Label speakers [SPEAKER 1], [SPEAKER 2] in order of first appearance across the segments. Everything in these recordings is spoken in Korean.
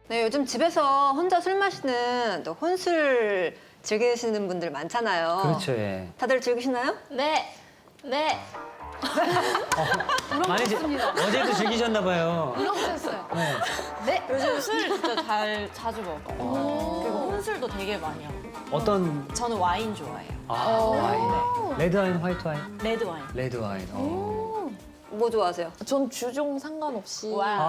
[SPEAKER 1] 네, 요즘 집에서 혼자 술 마시는 또 혼술 즐기시는 분들 많잖아요.
[SPEAKER 2] 그렇죠, 예.
[SPEAKER 1] 다들 즐기시나요?
[SPEAKER 3] 네. 네.
[SPEAKER 2] 많이 어제도 즐기셨나 봐요.
[SPEAKER 3] 물어보셨어요.
[SPEAKER 2] 네.
[SPEAKER 3] 네. 요즘 술 진짜 자주 먹어요. 그리고 혼술도 되게 많이 하고.
[SPEAKER 2] 어떤
[SPEAKER 3] 저는 와인 좋아해요.
[SPEAKER 2] 와인. 레드 와인, 화이트 와인?
[SPEAKER 3] 레드 와인.
[SPEAKER 2] 레드 와인.
[SPEAKER 1] 뭐 좋아하세요?
[SPEAKER 4] 전 주종 상관없이.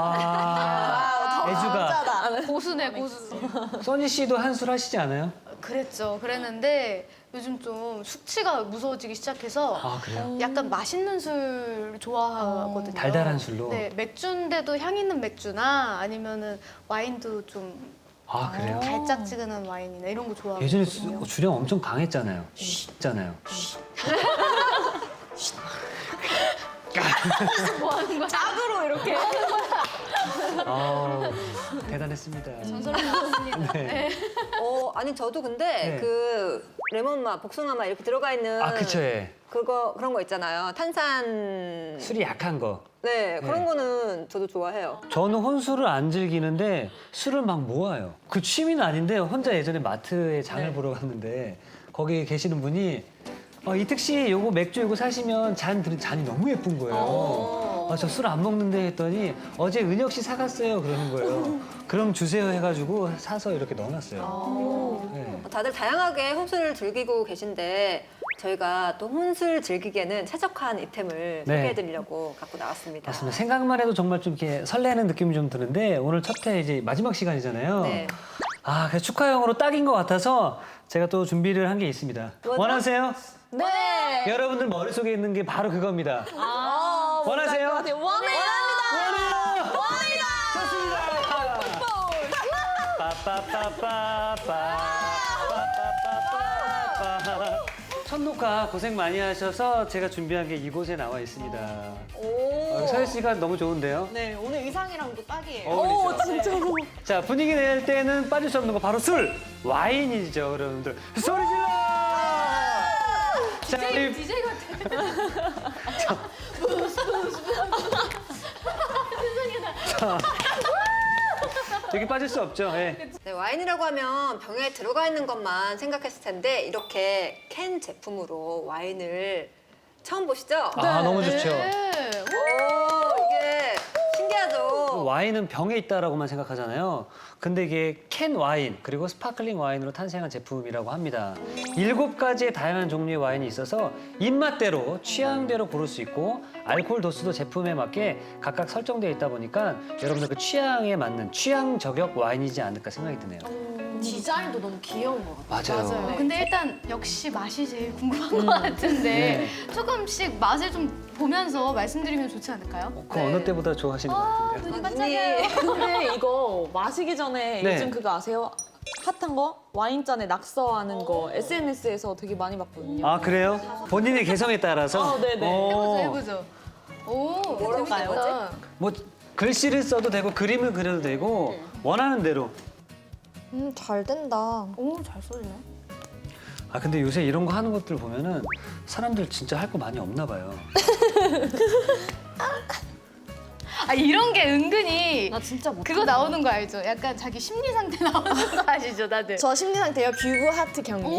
[SPEAKER 2] 애주가.
[SPEAKER 5] 고수네 고수.
[SPEAKER 2] 써니 씨도 한술 하시지 않아요?
[SPEAKER 5] 그랬죠. 그랬는데 요즘 좀 숙취가 무서워지기 시작해서
[SPEAKER 2] 아, 그래요?
[SPEAKER 5] 약간 맛있는 술 좋아하거든요.
[SPEAKER 2] 달달한 술로?
[SPEAKER 5] 네, 맥주인데도 향 있는 맥주나 아니면은 와인도 좀
[SPEAKER 2] 아, 그래요?
[SPEAKER 5] 달짝지근한 와인이나 이런 거 좋아하고.
[SPEAKER 2] 예전에 주량 엄청 강했잖아요. 있잖아요.
[SPEAKER 5] 뭐 하는 거야?
[SPEAKER 3] 짝으로 이렇게.
[SPEAKER 2] 대단했습니다.
[SPEAKER 5] 전설을 나왔습니다.
[SPEAKER 2] 네.
[SPEAKER 1] 아니 저도 근데
[SPEAKER 2] 네.
[SPEAKER 1] 그 레몬맛, 복숭아맛 이렇게 들어가 있는
[SPEAKER 2] 아, 그쵸, 예.
[SPEAKER 1] 그런 거 있잖아요. 탄산.
[SPEAKER 2] 술이 약한 거.
[SPEAKER 1] 네, 그런
[SPEAKER 2] 네.
[SPEAKER 1] 거는 저도 좋아해요.
[SPEAKER 2] 저는 혼술을 안 즐기는데 술을 막 모아요. 그 취미는 아닌데 혼자 예전에 마트에 장을 보러 갔는데 거기 계시는 분이 이특 씨 요거 맥주 요거 사시면 잔이 너무 예쁜 거예요. 저 술 안 먹는데 했더니 어제 은혁 씨 사갔어요 그러는 거예요. 그럼 주세요 해가지고 사서 이렇게 넣어놨어요. 네.
[SPEAKER 1] 다들 다양하게 혼술을 즐기고 계신데 저희가 또 혼술 즐기기에는 최적화한 이템을
[SPEAKER 2] 네.
[SPEAKER 1] 소개해드리려고 갖고 나왔습니다.
[SPEAKER 2] 맞습니다. 생각만 해도 정말 좀 이렇게 설레는 느낌이 좀 드는데 오늘 첫 회 이제 마지막 시간이잖아요.
[SPEAKER 1] 네.
[SPEAKER 2] 그래서 축하용으로 딱인 것 같아서 제가 또 준비를 한 게 있습니다.
[SPEAKER 1] 뭐죠?
[SPEAKER 2] 원하세요?
[SPEAKER 4] 네.
[SPEAKER 2] 여러분들 머릿속에 있는 게 바로 그거입니다. 원하세요?
[SPEAKER 4] 원해요.
[SPEAKER 2] 원해요! 좋습니다! 빠빠빠빠빠. 첫 녹화 고생 많이 하셔서 제가 준비한 게 이곳에 나와 있습니다. 서혜 씨가 너무 좋은데요?
[SPEAKER 3] 네, 오늘 의상이랑도 딱이에요.
[SPEAKER 2] 어울리죠?
[SPEAKER 4] 진짜로.
[SPEAKER 2] 자, 분위기 낼 때는 빠질 수 없는 거 바로 술! 와인이죠, 여러분들. 소리 질러! 자, 우리
[SPEAKER 5] DJ 같아.
[SPEAKER 2] 여기 빠질 수 없죠. 예.
[SPEAKER 1] 네, 와인이라고 하면 병에 들어가 있는 것만 생각했을 텐데 이렇게 캔 제품으로 와인을 처음 보시죠?
[SPEAKER 2] 너무 좋죠.
[SPEAKER 5] 네.
[SPEAKER 1] 이게 신기하죠?
[SPEAKER 2] 와인은 병에 있다라고만 생각하잖아요. 근데 이게 캔 와인 그리고 스파클링 와인으로 탄생한 제품이라고 합니다. 7가지의 다양한 종류의 와인이 있어서 입맛대로 취향대로 고를 수 있고 알코올 도수도 제품에 맞게 각각 설정되어 있다 보니까 여러분들 그 취향에 맞는 취향 저격 와인이지 않을까 생각이 드네요.
[SPEAKER 3] 디자인도 너무 귀여운 것 같아요.
[SPEAKER 2] 맞아요.
[SPEAKER 5] 맞아요. 근데 일단 역시 맛이 제일 궁금한 것 같은데
[SPEAKER 2] 네.
[SPEAKER 5] 조금씩 맛을 좀 보면서 말씀드리면 좋지 않을까요?
[SPEAKER 2] 그 어느 때보다 좋아하시는 것 같은데요.
[SPEAKER 5] 눈이 반짝여요.
[SPEAKER 4] 근데 이거 마시기 전에
[SPEAKER 2] 네.
[SPEAKER 4] 요즘 그거 아세요? 핫한 거? 와인잔에 낙서하는 거 SNS에서 되게 많이 봤거든요.
[SPEAKER 2] 아, 그래요? 본인의 개성에 따라서?
[SPEAKER 4] 네네.
[SPEAKER 5] 해보죠. 오,
[SPEAKER 1] 뭐라고
[SPEAKER 5] 재밌겠다.
[SPEAKER 1] 써요?
[SPEAKER 2] 뭐 글씨를 써도 되고 그림을 그려도 되고 원하는 대로.
[SPEAKER 4] 잘 된다.
[SPEAKER 5] 오, 잘 써지네.
[SPEAKER 2] 근데 요새 이런 거 하는 것들 보면은 사람들 진짜 할 거 많이 없나 봐요.
[SPEAKER 5] 이런 게 은근히
[SPEAKER 4] 나 진짜 못.
[SPEAKER 5] 그거 나오는 거 알죠? 약간 자기 심리 상태 나오는 거 아시죠, 다들?
[SPEAKER 4] 저 심리 상태요. 뷰구 하트 경리.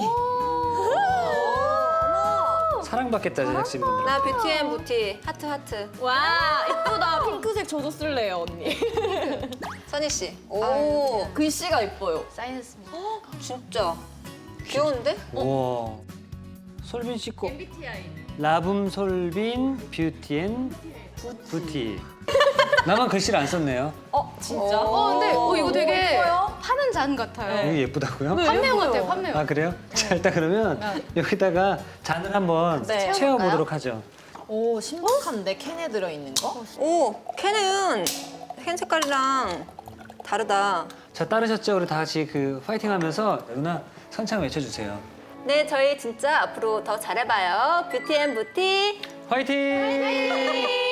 [SPEAKER 2] 사랑받겠다 제작진분들.
[SPEAKER 1] 나 뷰티 앤 부티 하트.
[SPEAKER 4] 와 이쁘다. 핑크색 저도 쓸래요 언니.
[SPEAKER 1] 선희 씨.
[SPEAKER 4] 글씨가 이뻐요.
[SPEAKER 5] 사인했습니다.
[SPEAKER 1] 진짜 귀여운데?
[SPEAKER 2] 우와. 솔빈 씨 거. 라붐 솔빈 뷰티앤 부티. 나만 글씨를 안 썼네요.
[SPEAKER 4] 진짜?
[SPEAKER 5] 근데 이거 되게
[SPEAKER 4] 예뻐요?
[SPEAKER 5] 파는 잔 같아요.
[SPEAKER 2] 이게 예쁘다고요?
[SPEAKER 5] 판매용 같아요, 판매용.
[SPEAKER 2] 그래요? 자, 일단 그러면 여기다가 잔을 한번
[SPEAKER 4] 네.
[SPEAKER 2] 채워보도록 하죠.
[SPEAKER 4] 오 신박한데 캔에 들어있는 거?
[SPEAKER 1] 캔은 캔 색깔이랑 다르다.
[SPEAKER 2] 자, 따르셨죠? 우리 다 같이 그 파이팅 하면서 누나 선창 외쳐주세요.
[SPEAKER 1] 네, 저희 진짜 앞으로 더 잘해봐요. 뷰티 앤 부티.
[SPEAKER 2] 화이팅!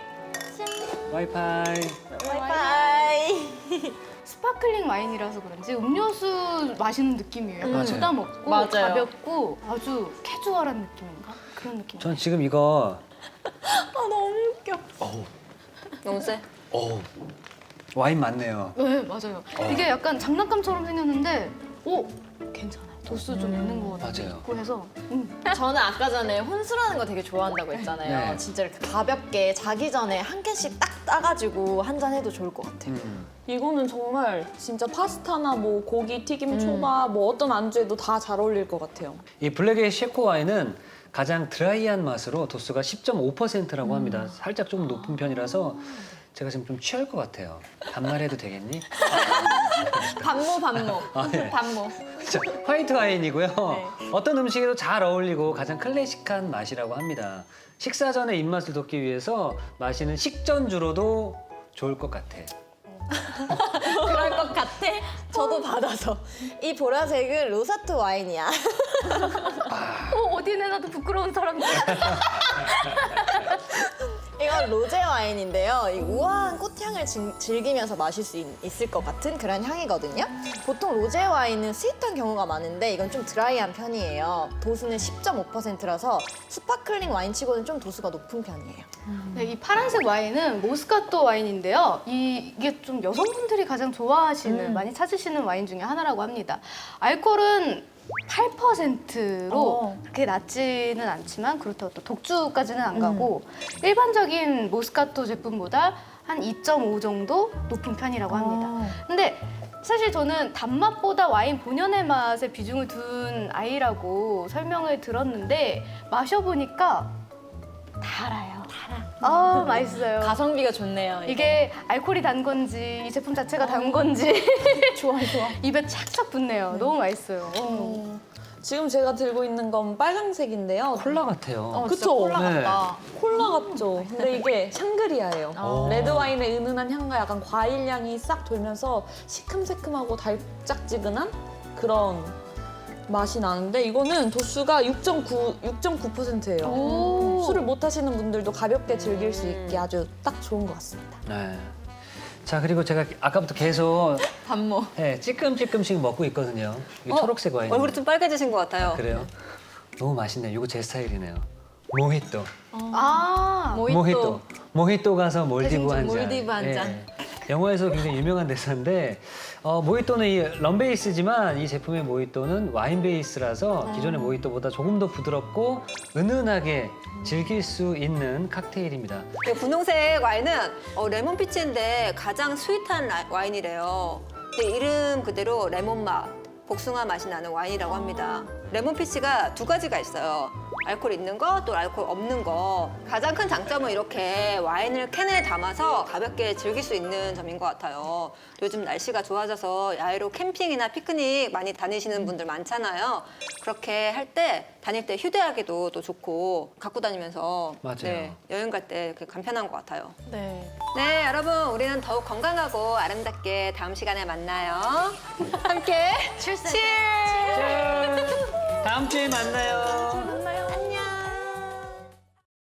[SPEAKER 2] 와이파이.
[SPEAKER 4] 바이바이.
[SPEAKER 5] 스파클링 와인이라서 그런지 음료수 마시는 느낌이에요. 약간
[SPEAKER 2] 맞아요.
[SPEAKER 5] 부담 없고
[SPEAKER 4] 맞아요.
[SPEAKER 5] 가볍고 아주 캐주얼한 느낌인가? 그런 느낌.
[SPEAKER 2] 전 지금 이거
[SPEAKER 4] 아 너무 웃겨.
[SPEAKER 1] 너무 세?
[SPEAKER 2] 어우 와인 많네요.
[SPEAKER 5] 네, 맞아요. 이게 약간 장난감처럼 생겼는데, 오, 괜찮아요. 도수 좀 있는 것 같아요.
[SPEAKER 2] 맞아요.
[SPEAKER 5] 그래서
[SPEAKER 3] 저는 아까 전에 혼술하는 거 되게 좋아한다고 했잖아요.
[SPEAKER 2] 네.
[SPEAKER 3] 진짜 이렇게 가볍게 자기 전에 한 캔씩 딱 따가지고 한 잔 해도 좋을 것 같아요.
[SPEAKER 4] 이거는 정말 진짜 파스타나 뭐 고기, 튀김, 초밥 뭐 어떤 안주에도 다 잘 어울릴 것 같아요.
[SPEAKER 2] 이 블랙의 쉐코 와인은 가장 드라이한 맛으로 도수가 10.5%라고 합니다. 살짝 조금 높은 편이라서 제가 지금 좀 취할 것 같아요. 반말해도 되겠니?
[SPEAKER 3] 반모.
[SPEAKER 2] 아, 네.
[SPEAKER 3] 반모.
[SPEAKER 2] 자, 화이트 와인이고요.
[SPEAKER 3] 네.
[SPEAKER 2] 어떤 음식에도 잘 어울리고 가장 클래식한 맛이라고 합니다. 식사 전에 입맛을 돋기 위해서 마시는 식전주로도 좋을 것 같아.
[SPEAKER 3] 그럴 것 같아? 저도 받아서. 이 보라색은 로사트 와인이야.
[SPEAKER 5] 어디 내놔도 부끄러운 사람들.
[SPEAKER 3] 이건 로제 와인인데요. 이 우아한 꽃향을 즐기면서 마실 수 있을 것 같은 그런 향이거든요. 보통 로제 와인은 스윗한 경우가 많은데 이건 좀 드라이한 편이에요. 도수는 10.5%라서 스파클링 와인치고는 좀 도수가 높은 편이에요.
[SPEAKER 5] 네, 이 파란색 와인은 모스카토 와인인데요. 이게 좀 여성분들이 가장 좋아하시는, 많이 찾으시는 와인 중에 하나라고 합니다. 알코올은 8%로 그렇게 낮지는 않지만 그렇다고 또 독주까지는 안 가고 일반적인 모스카토 제품보다 한 2.5 정도 높은 편이라고 합니다. 근데 사실 저는 단맛보다 와인 본연의 맛에 비중을 둔 아이라고 설명을 들었는데 마셔보니까 달아요. 맛있어요.
[SPEAKER 3] 가성비가 좋네요.
[SPEAKER 5] 이게 알코올이 단 건지 이 제품 자체가 단 건지
[SPEAKER 3] 좋아.
[SPEAKER 5] 입에 착착 붙네요. 너무 맛있어요.
[SPEAKER 4] 지금 제가 들고 있는 건 빨강색인데요.
[SPEAKER 2] 콜라 같아요.
[SPEAKER 4] 그쵸?
[SPEAKER 3] 콜라
[SPEAKER 2] 네.
[SPEAKER 3] 같다.
[SPEAKER 4] 콜라 같죠? 근데 이게 샹그리아예요.
[SPEAKER 2] 오.
[SPEAKER 4] 레드 와인의 은은한 향과 약간 과일 향이 싹 돌면서 시큼새큼하고 달짝지근한 그런 맛이 나는데 이거는 도수가 6.9%예요.
[SPEAKER 5] 오.
[SPEAKER 4] 술을 못 하시는 분들도 가볍게 즐길 수 있게 아주 딱 좋은 것 같습니다.
[SPEAKER 2] 네. 자, 그리고 제가 아까부터 계속
[SPEAKER 3] 반모.
[SPEAKER 2] 네, 찔끔찔끔씩 먹고 있거든요. 이게 초록색 와인.
[SPEAKER 1] 얼굴이 좀 빨개지신 것 같아요.
[SPEAKER 2] 그래요? 너무 맛있네요. 이거 제 스타일이네요. 모히또.
[SPEAKER 3] 모히또.
[SPEAKER 2] 모히또 가서 몰디브
[SPEAKER 3] 대신 좀
[SPEAKER 2] 한 잔.
[SPEAKER 3] 몰디브 한
[SPEAKER 2] 예.
[SPEAKER 3] 잔.
[SPEAKER 2] 영화에서 굉장히 유명한 대사인데 모히또는 이 럼 베이스지만 이 제품의 모히또는 와인 베이스라서 기존의 모히또보다 조금 더 부드럽고 은은하게 즐길 수 있는 칵테일입니다.
[SPEAKER 1] 이 분홍색 와인은 레몬 피치인데 가장 스윗한 와인이래요. 근데 이름 그대로 레몬 맛, 복숭아 맛이 나는 와인이라고 합니다. 레몬 피치가 두 가지가 있어요. 알코올 있는 거, 또 알코올 없는 거. 가장 큰 장점은 이렇게 와인을 캔에 담아서 가볍게 즐길 수 있는 점인 것 같아요. 요즘 날씨가 좋아져서 야외로 캠핑이나 피크닉 많이 다니시는 분들 많잖아요. 그렇게 할 때 다닐 때 휴대하기도 또 좋고 갖고 다니면서
[SPEAKER 2] 맞아요.
[SPEAKER 1] 여행 갈 때 간편한 것 같아요.
[SPEAKER 3] 네.
[SPEAKER 1] 네, 여러분 우리는 더욱 건강하고 아름답게 다음 시간에 만나요. 함께 칠스!
[SPEAKER 2] 다음 주에 만나요.